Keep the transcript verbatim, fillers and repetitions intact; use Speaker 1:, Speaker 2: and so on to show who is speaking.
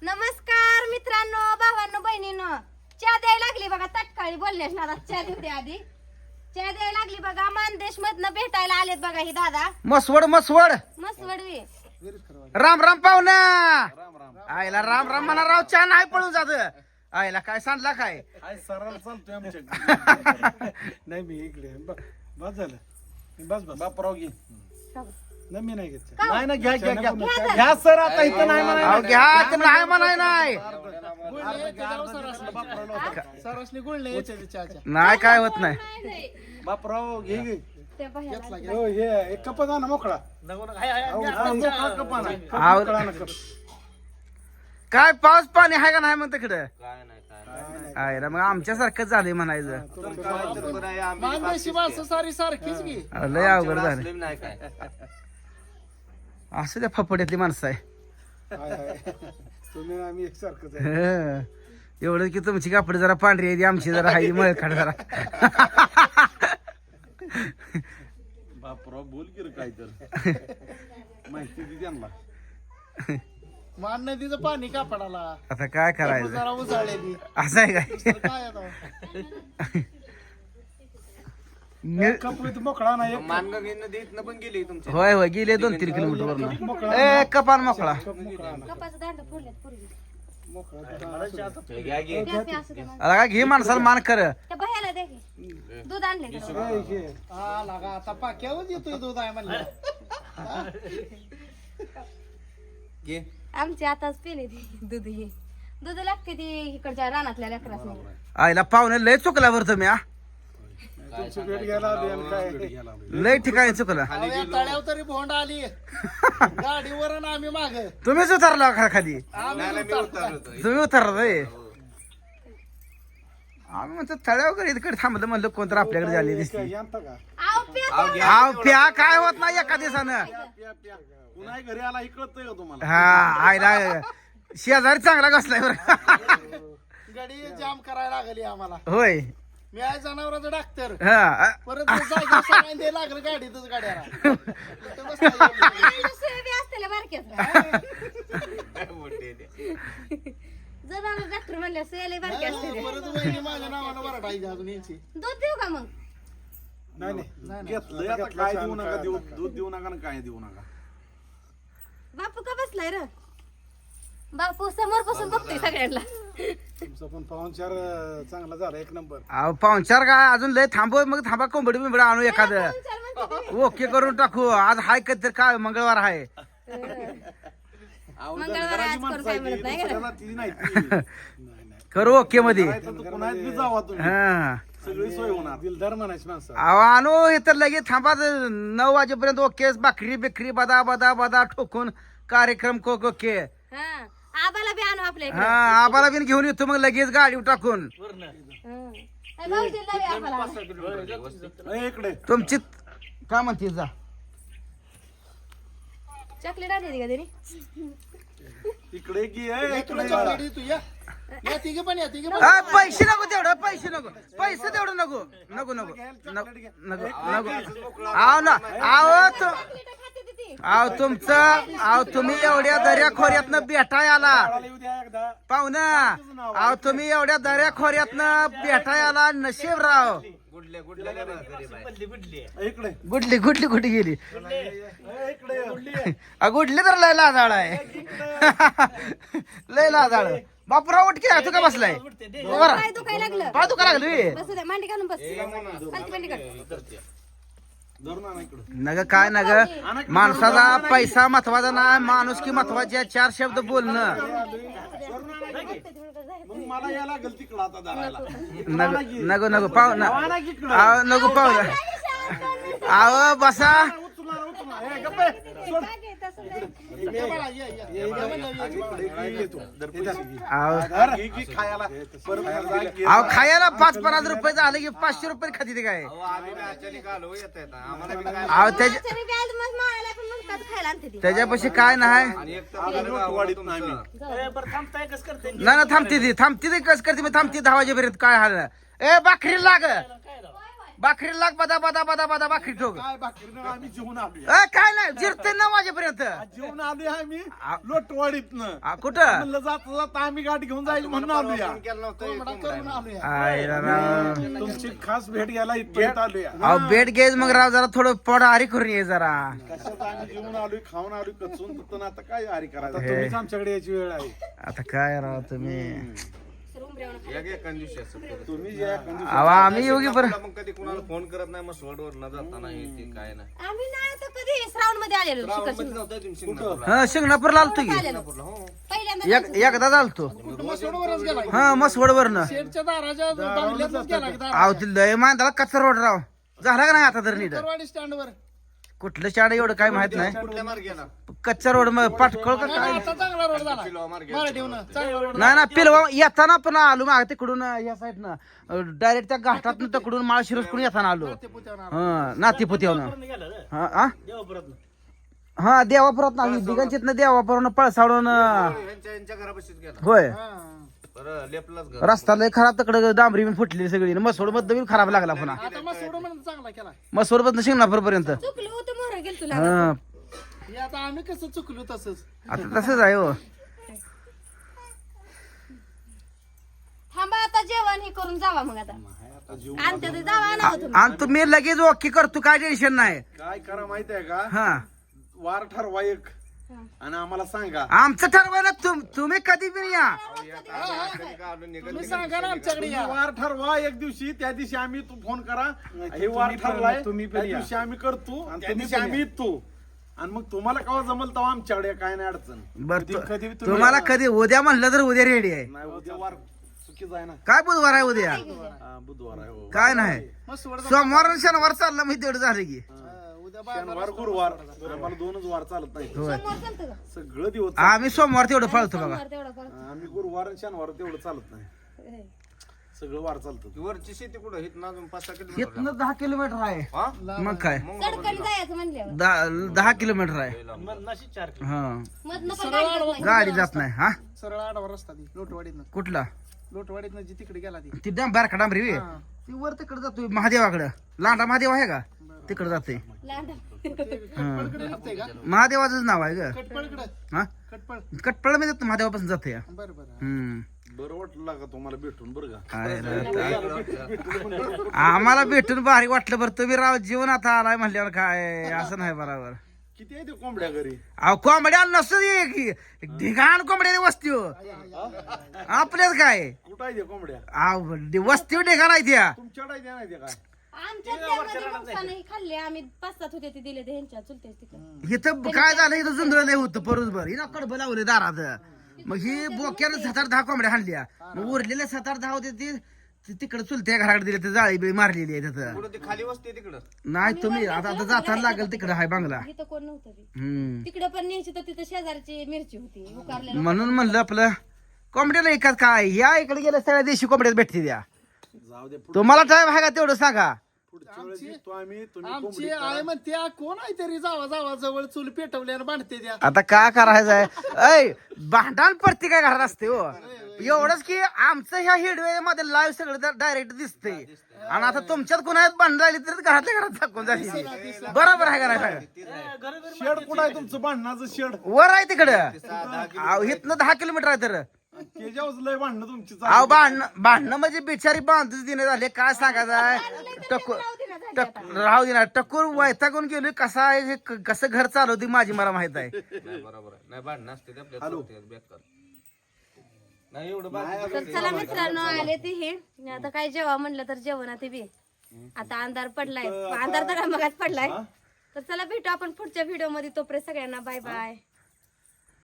Speaker 1: नमस्कार मित्रांनो, भावांनो, बहिणींनो. चहा द्यायला लागली बघा. तटकाळी बोलल्यास ना, चहा देते आधी. चहा द्यायला लागली बघा. मानदेश मधनं भेटायला आलेत बघा ही दादा.
Speaker 2: मसवड मसवड
Speaker 1: मस्त वडवी.
Speaker 2: राम राम पाहुणा. आईला राम राम म्हणा राव. चहा नाही पळून जात. आईला काय सांडला काय
Speaker 3: सरळ चालतोय आमच्या. नाही मी इकडे बस झालं. बस बस बापराव घे. नाही मी नाही घेत. नाही ना घ्या घ्या घ्या घ्या सर. आता इथं नाही
Speaker 2: अहो
Speaker 3: म्हणाय
Speaker 2: घ्या ते नाही म्हणाय नाही नाही काय होत नाही.
Speaker 3: बापराव घे घे.
Speaker 1: त्या बाहेर
Speaker 3: हो हे एक कप जा ना मोकळा.
Speaker 2: काय पाऊस पाणी आहे का नाही मग तिकडं. आहे ना मग आमच्यासारखंच झालंय म्हणायचं. लय अवघड झालं. असं त्या फपड्यातली माणसं आहे.
Speaker 3: तुम्ही आम्ही एकसारखंच आहे.
Speaker 2: हं. एवढं की तुमची कापड जरा पांढरी आहे, आमची जरा हाई मळखाड जरा.
Speaker 3: बापराव बोल की रे काय तर माहिती दे त्यांना.
Speaker 4: मान नदीचं पाणी कापडाला
Speaker 2: आता काय करायचं.
Speaker 4: जरा उजाळलेली
Speaker 2: असं आहे काय.
Speaker 4: काय आता
Speaker 2: नि-
Speaker 3: कप इथं मोकळा नाही. एक
Speaker 2: होय होय गेले दोन तीन किलोमीटर वरून. ए कपान मोकळा.
Speaker 1: कपाचं दांड फोडल्यात पूर्वी.
Speaker 3: मोकळा
Speaker 1: द्या ते असं द्या.
Speaker 2: आता काय घे माणसाला मान कर.
Speaker 1: त्या बाहेरला द्या की. दूध आणले का?
Speaker 3: हे घे.
Speaker 4: हा लागा आता पाक्यावर येतोय दूध आहे म्हणलं.
Speaker 1: आमची आताच पेले ती दूध. हे दूध लागते ती इकडच्या रानातल्या लेकरासनी.
Speaker 2: आईला पाहुणे लय चुकला बरं तुम्ही हा.
Speaker 3: तुमची भेट घ्यायला आली आणि काय
Speaker 2: लय ठिकाणी चुकला.
Speaker 4: अहो, या तळ्यावर तरी भोंड आली गाडीवर आणि आम्ही माग
Speaker 2: तुम्हीच उतरला खा खाली.
Speaker 4: आम्ही उतरलो.
Speaker 2: तुम्ही उतरला रे. आम्ही म्हणतो तळ्या वगैरे इकडे थांबलं म्हणलं कोणतर आपल्याकडे झाली दिसते.
Speaker 3: यांता का
Speaker 1: आव प्या.
Speaker 2: आव प्या काय होत नाही एका दिवसानं.
Speaker 3: प्या प्या पुन्हा घरी आला इकडतंय का तुम्हाला.
Speaker 2: हा आईला शेजारी चांगला घसलाय बरं.
Speaker 4: गाडी जाम करायला लागली आम्हाला.
Speaker 2: होय.
Speaker 4: मी आहे जनावरांचा डॉक्टर.
Speaker 2: हा
Speaker 4: परत जायचं सगळ्यांनी द्यायला लागलं गाडीतच गाड्याला. इथं बसता येईल.
Speaker 1: काय दुसरे बी असतेले बारक्याच. जर डॉक्टर म्हणले सेले बारके असते.
Speaker 4: परत वहिनी माझ्या नावाला वरडायची अजून यायची.
Speaker 1: दूध देऊ का मग?
Speaker 3: नाही नाही घेतलंय आता काय देऊ नका देऊ दूध देऊ नका आणि काय देऊ नका.
Speaker 1: बापू का बसलाय र? बापू समोर बसून बघतोय सगळ्यांना.
Speaker 3: तुमचा पण पाहुणचार अं, चांगला झाला एक नंबर.
Speaker 2: अहो पाहुणचार काय अजून लय थांबव मग थांबा कोंबडी बिंबड आणू एखादं.
Speaker 1: पाहुणचार म्हणते तुम्ही.
Speaker 2: ओके करून टाकू. आज हाय कधी तर काय मंगळवार आहे.
Speaker 1: मंगळवार आज करून काय म्हणत नाही का?
Speaker 3: दुसऱ्याला ती नाही ती. नाही नाही
Speaker 2: करू ओके मध्ये.
Speaker 3: काय तर पुन्हा बी जावा तुम्ही.
Speaker 2: हा
Speaker 3: सगळी सोय होणार. दिलदार म्हणायची माणसं.
Speaker 2: अहो आणू हे तर लगेच थांबा. नऊ वाजेपर्यंत ओके. भाकरी बिकरी बदा बदा बदा ठोकून कार्यक्रम कोक ओके.
Speaker 1: हा आबाला बी आणू आपल्या
Speaker 2: हा आम्हाला बिन घेऊन येतो मग लगेच गाडी टाकून.
Speaker 1: इकडे भाऊजीला बी आबाला.
Speaker 3: ए, इकडे
Speaker 2: तुमची काय म्हणते जा.
Speaker 1: चॉकलेट आणली का तरी?
Speaker 3: इकडे की ए,
Speaker 4: तुला
Speaker 3: इकडे
Speaker 4: चॉकलेट देतो या. या तिघे पण या तिघे पण.
Speaker 2: आ, पैसे नको तेवढं. पैसे नको. पैसे तेवढं नको नको नको नको नको नको. आव ना आव तू
Speaker 1: चॉकलेट खाते ती ती.
Speaker 2: आव तुमचं आव तुम्ही एवढ्या दर्या खोऱ्यातनं भेटाय आला
Speaker 3: आला येऊ द्या एकदा.
Speaker 2: पाहुणा. आव तुम्ही एवढ्या दर्या खोऱ्यातनं भेटाय आला. नशीब राव.
Speaker 3: इकडे
Speaker 2: गुडली गुडली कुठे गेली.
Speaker 3: ए, इकडे
Speaker 2: आ, गुडली तर लय लाजाळ आहे. लय लाजाळ. बापूराव उठके तू का बसलाय. बरं.
Speaker 1: काय दुखायला लागलं?
Speaker 2: पाय दुखा लागली.
Speaker 1: बसू द्या, मांडी घालून बस. खालती मांडी घाल.
Speaker 3: धरून आणा इकडे.
Speaker 2: नग काय नग माणसाचा पैसा महत्वाचा नाही. माणूस की महत्वाचे. चार शब्द बोलणं.
Speaker 3: मग मला या लागेल तिकडं आता धरायला.
Speaker 2: नग नको नको पाहू ना. आव नको पाहू ना. आव बसा.
Speaker 3: उचला उचला. ए, गप्प आहे. सोड.
Speaker 4: या बाळा, या, या.
Speaker 3: ये, ये, ये. इकडे की ये तू.
Speaker 2: आव
Speaker 3: धर. घे की खायला. परत घरला घे.
Speaker 2: आव खायला पाच पन्नास रुपये झाले की पाचशे रुपये खाती ते काय. आव त्याच्या
Speaker 1: त्याच्याने बी आज मग माळाला पण म्हणतात खायला आणते ती.
Speaker 2: त्याच्यापाशी काय नाही.
Speaker 3: आम्ही नोटवाडीत नाही आम्ही.
Speaker 2: ना ना थांबते ती थांबते ती कस करते मी थांबते दहा वाजेपर्यंत काय हाल. ए भाकरी लाग. भाकरी लाग बदा बदा बदा बदा भाकरी ठोक
Speaker 3: काय भाकरीनं आम्ही जेवून आलोय
Speaker 2: अ, काय नाही जिरते नऊ वाजेपर्यंत
Speaker 3: जेवून आलोय आम्ही लोटवाडीतनं
Speaker 2: आ, कुठं
Speaker 3: म्हणलं जाता जाता आम्ही गाठ घेऊन जायचं म्हणून आलोया
Speaker 4: केलं नव्हतं
Speaker 3: करून आलोया
Speaker 2: आय रा रा.
Speaker 3: तुमची खास भेट घ्यायला इथपर्यंत आलोया
Speaker 2: अहो बेड घ्यायच मग राव जरा थोडं पोट आरी करून ये जरा
Speaker 3: कशात आम्ही जेवून आलोय खाऊन आलोय कचून तर आता काय आरी करायचं तुम्हीच आमच्याकडे याची वेळ आहे
Speaker 2: आता काय राव तुम्ही
Speaker 3: तुम्ही जे
Speaker 2: अहो आम्ही योगी बरं
Speaker 4: मग कधी कुणाला फोन करत नाही मग सोडवर न जाताना हे ते काय नाही
Speaker 1: आम्ही नाही तर कधी श्रावण मध्ये आलेलो शिखर
Speaker 4: मध्ये
Speaker 1: शिंगणापूर.
Speaker 4: नव्हतं तुम्ही सिंगापूरला.
Speaker 2: हा शिंगणापूरला आलतो की
Speaker 1: आलेलो
Speaker 4: हो.
Speaker 1: पहिल्यांदा
Speaker 2: एक एकदा चालतो हा मसवड वरनं
Speaker 3: शेडच्या दाराच्या बांगल्यातच गेला की
Speaker 2: अहो ती लय मांदाला कच्चा रोड राव झाला का नाही आता तर नीट
Speaker 3: दारवाडी स्टँडवर
Speaker 2: कुठलं शाळा एवढं काय माहित नाही
Speaker 4: कुठल्या मार्गे येणार?
Speaker 2: कच्चा रोड मग पाटकळ का काय
Speaker 3: आता चांगला रोड झाला
Speaker 4: किलो मार्गे
Speaker 3: मराठीहून चांगला रोड
Speaker 2: नाही ना पिलवा येताना पण आलो माग तिकडून या साईडनं डायरेक्ट त्या घाटातून तिकडून माळशिरसकडून येताना आलो हा नातीपुत्यावनं हा हा? हा देवापुरात ना दिगंचितनं देवापुरात पळसावडून
Speaker 4: यांच्या यांच्या घरापाशीच गेला
Speaker 2: होय
Speaker 4: बरं लेपलाच घर
Speaker 2: रस्ता लय खराब तिकडे डांबरी बिन फुटली सगळी मसोड मधनं बी खराब लागला पुन्हा
Speaker 3: आता मग सोडून म्हणून चांगला केला
Speaker 2: मसोड मधनं शिंगणापूर पर्यंत
Speaker 1: चुकलो होतं मोहर गेल तुला
Speaker 2: हा
Speaker 3: हे आता आम्ही कसं चुकलो तसंच
Speaker 2: आता तसंच आहे हो
Speaker 1: थांबा आता जेवण हे करून जावा मग आता आणते ते जावा ना हो तुम्ही.
Speaker 2: आणि तुम्ही लगेच ओके करतो काय टेन्शन नाही
Speaker 3: काय करा माहिती आहे का
Speaker 2: हा
Speaker 3: वार ठरवा एक आणि आम्हाला सांगा
Speaker 2: आमचं ठरवाय ना तुम तुम्ही कधी पण या
Speaker 4: कधी का आलो निघत
Speaker 3: तुम्ही सांगा ना आमच्याकडे या वार ठरवा एक दिवशी त्या दिवशी आम्ही तू फोन करा हे वार ठरलाय तुम्ही त्या दिवशी आम्ही करतो त्या दिवशी आम्ही येतो आणि मग तुम्हाला केव्हा जमल तेव्हा आमच्याकडे काय नाही अडचण
Speaker 2: बर
Speaker 3: कधी- कधी तुम्ही-
Speaker 2: तुम्हाला कधी उद्या म्हणलं तर उद्या रेडी आहे
Speaker 3: नाही उद्या वार चुकीच आहे ना
Speaker 2: काय बुधवार आहे उद्या
Speaker 3: हा, बुधवार आहे हो.
Speaker 2: काय नाही सोमवार आणि शनिवार चालला मी तेवढं झालं की
Speaker 3: शनिवार गुरुवार आम्हाला दोनच वार चालत नाही
Speaker 2: होय.
Speaker 1: समोर चालतं का?
Speaker 3: सगळं दिवस
Speaker 2: आम्ही सोमवार तेवढं पाळतो बघा
Speaker 1: समोर तेवढं करा.
Speaker 3: आम्ही गुरुवार आणि शनिवार तेवढं चालत नाही सगळं वार चालतं
Speaker 4: वरची शेती कुठं हित ना अजून पाच सहा किलोमीटर
Speaker 2: इथनं दहा किलोमीटर आहे
Speaker 4: हा?
Speaker 2: मग काय
Speaker 1: चडकन जायचं म्हणल्यावर
Speaker 2: दहा दहा किलोमीटर आहे हा
Speaker 1: मधनं पण गाडी जात नाही.
Speaker 2: गाडी जात नाही हा
Speaker 3: सरळ आडवा रस्ता ती लोटवाडीतनं
Speaker 2: कुठला
Speaker 3: लोटवाडीतनं जी तिकडे गेला ती
Speaker 2: ती डॅम बारका डांबरी वे ती वर तिकडे जातोय महादेवाकडं लांडा महादेव आहे का तिकडे जाते
Speaker 1: लांडा.
Speaker 3: कटपळकडे निघतंय का
Speaker 2: महादेवाचं नाव आहे ग
Speaker 3: कटपळकडे
Speaker 2: हा
Speaker 3: कटपळ
Speaker 2: कटपळ मी जातो महादेवापासून जाते
Speaker 3: बरं बरं
Speaker 2: हम्म
Speaker 3: बरं वाटलं का तुम्हाला भेटून बरं का
Speaker 2: काय रे. आम्हाला भेटून भारी वाटलं बरं तुम्ही राव जीवन आता आलाय म्हणल्यावर काय असं नाही बरोबर
Speaker 3: किती आहे ते कोंबड्या घरी
Speaker 2: अहो कोंबड्या नसतो की ढिगाण कोंबड्या वस्ती हो आपल्याच काय
Speaker 3: कुठं आहे ते कोंबड्या
Speaker 2: अहो वस्ती ढिगाण आहे त्या
Speaker 3: तुमच्याकडे आहे ते नाही ते काय
Speaker 1: आमच्या त्यामध्ये नुकसानही खाल्ले आम्ही पाच सात होते ते दिले ते ह्यांच्या चुलते तिकडे
Speaker 2: इथं काय झालं इथं जुंधळ नाही होतं बरोबर हिला कडबं लावले दारात मग ही बोक्यानं सात आठ दहा कोंबड्या हाणल्या मग उरलेल्या सात आठ दहा होते ते ते तिकडे चुलत्या घराकडे दिले ते जाळी बिळी मारलेली आहे तिथं
Speaker 4: कुठं ती खाली वस्ती आहे तिकडं
Speaker 2: नाही तुम्ही आता आता जाताना लागेल तिकडे हाय बांगला
Speaker 1: इथं कोण नव्हतं बी.
Speaker 2: हम्म
Speaker 1: तिकडे पण न्यायची तर तिथं शेजारची मिरची होती उकारलेलं
Speaker 2: म्हणून म्हणलं आपलं कोंबड्याला एकाच काय या इकडे गेल्या सगळ्या देशी कोंबड्यात भेटते द्या
Speaker 3: जाऊ दे
Speaker 2: तुम्हाला टाइम आहे का तेवढं सांगा
Speaker 3: पुढच्या वेळेस येतो आम्ही तुम्ही
Speaker 5: आमची
Speaker 3: कोंबडी
Speaker 5: आई म्हणते "आ, कोण आहे तरी जावा जावा जवळ चूल पेटवल्यानं बांधते द्या
Speaker 2: आता काय करायचं आहे ऐ भांडण पडते काय घरात असते हो एवढंच की आमचं ह्या हिडवे मध्ये लाईव्ह सगळं डायरेक्ट दिसतंय आणि आता तुमच्यात कोणात भांडण राहिली तर घरातल्या घरात दाखवून झाली बरोबर आहे का नाही
Speaker 3: शेड कुठं आहे तुमचं भांडणाचं शेड
Speaker 2: वर आहे तिकडं इथनं दहा किलोमीटर आहे तर
Speaker 3: त्याच्यावर लय भांडणं तुमची चालू.
Speaker 2: अहो भांडण भांडणं म्हणजे बिचारी बांधूच दिने झाले काय सांगायचं आहे टकूर टक राहू दे ना टकूर वैतागून गेली कसा आहे हे क- कसं घर चालवते माझी मला माहित आहे
Speaker 4: नाही बरोबर आहे नाही भांडण असते ते आपल्या चौथ्यात बेकार नाही एवढं बाकी
Speaker 1: तर चला मित्रांनो आले ते हे आता काय जेव्हा म्हणलं तर जेवण ते बी आता अंधार पडलाय अंधार तर मगाच पडलाय तर चला भेटू आपण पुढच्या व्हिडिओ मध्ये तोपर्यंत सगळ्यांना बाय बाय